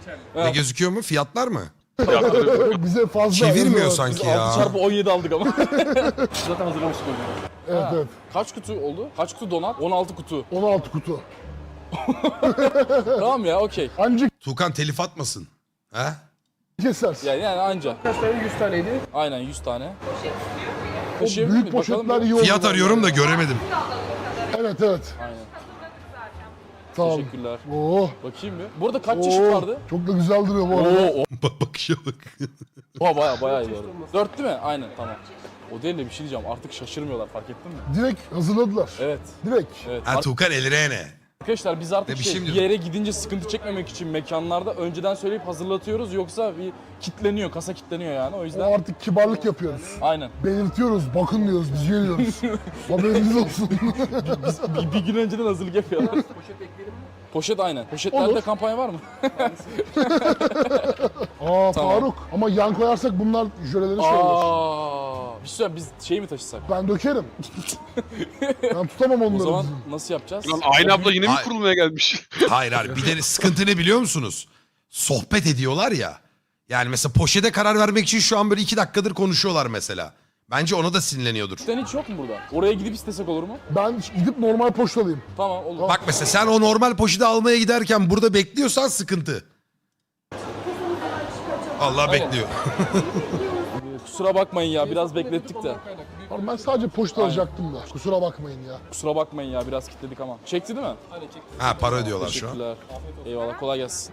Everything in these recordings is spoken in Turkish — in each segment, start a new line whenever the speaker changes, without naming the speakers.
Ne gözüküyor mu? Fiyatlar mı?
Bize fazla.
Çevirmiyor
evet.
sanki
Biz 6
ya.
çarpı 17 aldık ama. Zaten hazırlamıştık öyle.
Evet evet.
Kaç kutu oldu? Kaç kutu donat? 16 kutu.
16 kutu.
Tamam ya, okey.
Ancak
Tuğkan telif atmasın. He?
kesersin.
Yani anca.
Kaç tane? 100 taneydi.
Aynen 100 tane.
O
Taşıyabilir
büyük
miyim? Bakalım
poşetler
bir.
iyi olur.
Fiyat arıyorum da göremedim.
Evet evet.
Aynen.
Tamam.
Teşekkürler.
Oo.
Bakayım bir. Burada kaç çeşit
Oo.
vardı?
Çok da güzel duruyor bu arada.
Oo,
Bakışa bak.
bayağı iyi doğru. 4 değil mi? Aynen, tamam. O değil de bir şey diyeceğim. Artık şaşırmıyorlar, fark ettin mi?
Direkt hazırladılar.
Evet.
Direkt.
Evet.
Ha Tuğkan elirene.
Arkadaşlar biz artık
Ne bir
şey,
şey mi
bir
diyordun?
yere gidince sıkıntı çekmemek için mekanlarda önceden söyleyip hazırlatıyoruz, yoksa bir kitleniyor, kasa kitleniyor yani, o
O
yüzden.
artık kibarlık yapıyoruz.
Aynen.
Belirtiyoruz, bakın diyoruz, biz geliyoruz. Haberiniz olsun.
Bir gün önceden hazırlık yapıyorlar.
Poşet ekleyelim mi?
Poşet aynen. Poşetlerde
Olur.
kampanya var mı?
Aa
Tamam.
Faruk. Ama yan koyarsak bunlar jöleleri şey olur.
Bir şey biz şey mi taşısak?
Ben dökerim. Ben tutamam
O
onları
zaman
bizim.
nasıl yapacağız?
Lan aynı abla yine mi
Ay-
kurulmaya gelmiş?
Hayır hayır. Bir de sıkıntı ne biliyor musunuz? Sohbet ediyorlar ya. Yani mesela poşete karar vermek için şu an böyle 2 dakikadır konuşuyorlar mesela. Bence ona da sinirleniyordur.
Sen hiç yok mu burada? Oraya gidip istesek olur mu?
Ben gidip normal poşet alayım.
Tamam, olur.
Bak mesela sen o normal poşeti almaya giderken burada bekliyorsan sıkıntı. Allah
Aynen.
bekliyor.
Kusura bakmayın ya, biraz beklettik de.
Abi ben sadece poşet alacaktım da. Kusura bakmayın ya.
Kusura bakmayın ya, biraz kilitledik ama. Çekti değil mi?
Ha para ödüyorlar şu an.
Teşekkürler. Eyvallah, kolay gelsin.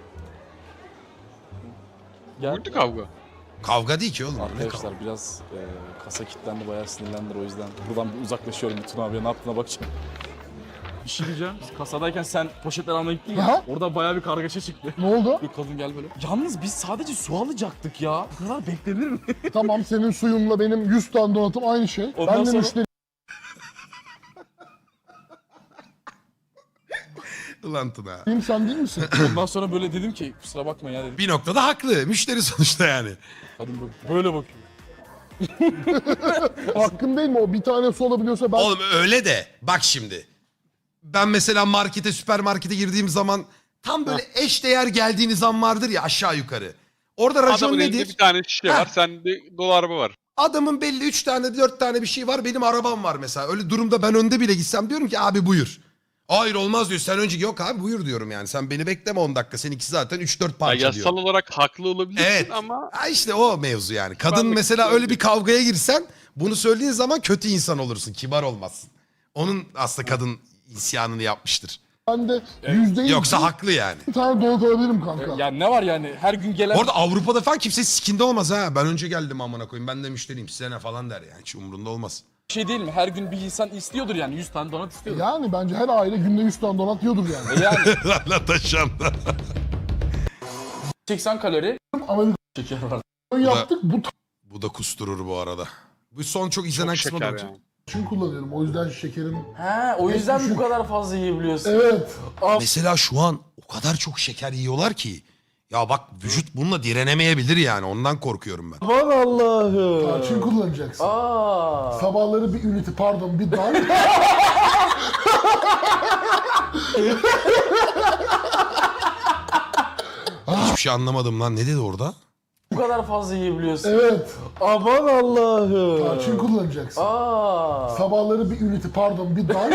Gel.
Buydu kavga.
Kavga değil ki oğlum. Ne kavga?
Arkadaşlar biraz kasa kilitlendi, bayağı sinirlendiler, o yüzden buradan bir uzaklaşıyorum. Bütün abiye ne yaptığına bakacağım. Bir şey diyeceğim. Biz kasadayken sen poşetler almaya gittin ya.
Aha.
Orada bayağı bir kargaşa çıktı.
Ne oldu?
Bir kadın gel böyle. Yalnız biz sadece su alacaktık ya. Bu kadar beklenir mi?
Tamam senin suyunla benim 100 tane donatım aynı şey.
Ondan
Ben de
sonra-
müşteri.
Ulan Tuna.
Sen değil misin?
Ondan sonra böyle dedim ki kusura bakma ya dedim.
Bir noktada haklı. Müşteri sonuçta yani.
Kadın böyle bakıyor.
Hakkım değil mi o? Bir tane su alabiliyorsa ben...
Oğlum öyle de bak şimdi. Ben mesela markete, süpermarkete girdiğim zaman tam böyle eşdeğer geldiğiniz an vardır ya aşağı yukarı. Orada racon
Adamın elinde
nedir?
bir tane şişe
Heh.
var, sende dolu araba var.
Adamın belli 3 tane 4 tane bir şey var, benim arabam var mesela. Öyle durumda ben önde bile gitsem diyorum ki abi buyur. Hayır olmaz diyor, sen önce yok abi buyur diyorum yani. Sen beni bekleme 10 dakika, seninki zaten 3-4
Ya
parça diyor.
yasal olarak haklı olabilirsin
Evet.
ama
Ha işte o mevzu yani. Kadın
Kibarlık
mesela
işte
öyle bir kavgaya girsen bunu söylediğin zaman kötü insan olursun. Kibar olmazsın. Onun aslında kadın isyanını yapmıştır.
Ben de %100
Yoksa haklı yani.
bir tane donat alabilirim kanka.
Yani ne var yani, her gün gelen...
Orada Avrupa'da falan kimse sikinde olmaz ha. Ben önce geldim amına koyayım. Ben de müşteriyim size ne falan der yani. Hiç umurunda olmaz.
şey değil mi? Her gün bir insan istiyordur yani, 100 tane donat istiyordur.
Yani bence her aile günde 100 tane donat yiyordur yani.
Yani
Lan taşanda.
80 kalori
Amerika
şeker var.
yaptık bu
Bu da kusturur bu arada. Bu son çok izlenen
çok
kısmı da.
şeker yani.
için kullanıyorum. O yüzden şekerim...
He, o yüzden bu kadar fazla yiyebiliyorsun.
Evet.
Mesela şu an o kadar çok şeker yiyorlar ki. Ya bak vücut bununla direnemeyebilir yani. Ondan korkuyorum ben.
Aman Allah'ım.
Tarçın kullanacaksın.
Aa.
Sabahları bir ünite pardon bir dan.
Hiçbir şey anlamadım lan. Ne dedi orada?
Bu kadar fazla yiyebiliyorsun.
Evet.
Aman Allah'ım.
Tarçın kullanacaksın.
Aa.
Sabahları bir ünite pardon bir dan.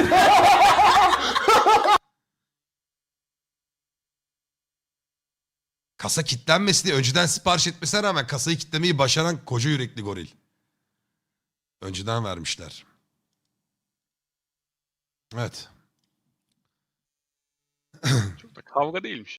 Kasa kilitlenmesi diye önceden sipariş etmesine rağmen kasayı kilitlemeyi başaran koca yürekli goril. Önceden vermişler. Evet.
Çok da kavga değilmiş.